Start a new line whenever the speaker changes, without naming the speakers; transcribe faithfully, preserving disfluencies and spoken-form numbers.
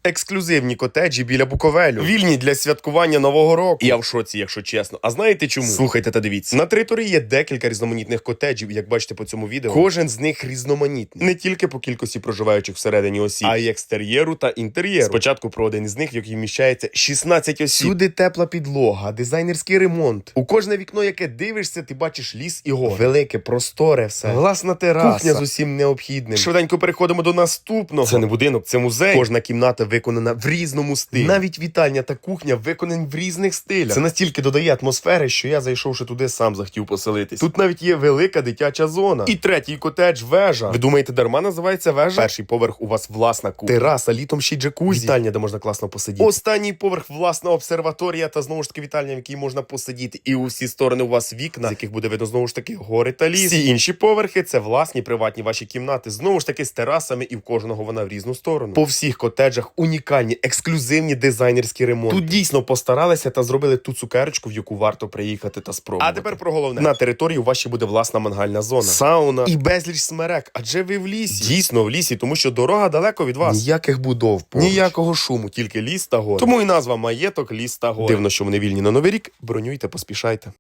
Ексклюзивні котеджі біля Буковелю. Вільні для святкування Нового року. Я в шоці, якщо чесно. А знаєте чому? Слухайте та дивіться. На території є декілька різноманітних котеджів, як бачите по цьому відео. Кожен з них різноманітний. Не тільки по кількості проживаючих всередині осіб, а й екстер'єру та інтер'єру. Спочатку про один із них, в який вміщається шістнадцять осіб. Всюди тепла підлога, дизайнерський ремонт. У кожне вікно, яке дивишся, ти бачиш ліс і гори. Велике, просторе все. Власна тераса. Кухня з усім необхідним. Швиденько переходимо до наступного. Це не будинок, це музей. Кожна кімната виконана в різному стилі. Навіть вітальня та кухня виконані в різних стилях. Це настільки додає атмосфери, що я, зайшовши туди, сам захотів поселитись. Тут навіть є велика дитяча зона. І третій котедж – вежа. Ви думаєте, дарма називається вежа? Перший поверх у вас власна кухня. Тераса, літом ще й джакузі. Вітальня, де можна класно посидіти. Останній поверх – власна обсерваторія та знову ж таки вітальня, в якій можна посидіти. І у всі сторони у вас вікна, з яких буде видно знову ж таки гори та ліс. Всі інші поверхи – це власні приватні ваші кімнати. Знову ж таки з терасами, і в кожного вона в різну сторону. По всіх котеджах унікальні, ексклюзивні дизайнерські ремонти. Тут дійсно постаралися та зробили ту цукерочку, в яку варто приїхати та спробувати. А тепер про головне. На території у вас ще буде власна мангальна зона, сауна і безліч смерек. Адже ви в лісі. Дійсно в лісі, тому що дорога далеко від вас. Ніяких будов поруч. Ніякого шуму, тільки ліс та гори. Тому і назва маєток, ліс та гори. Дивно, що вони вільні на Новий рік. Бронюйте, поспішайте.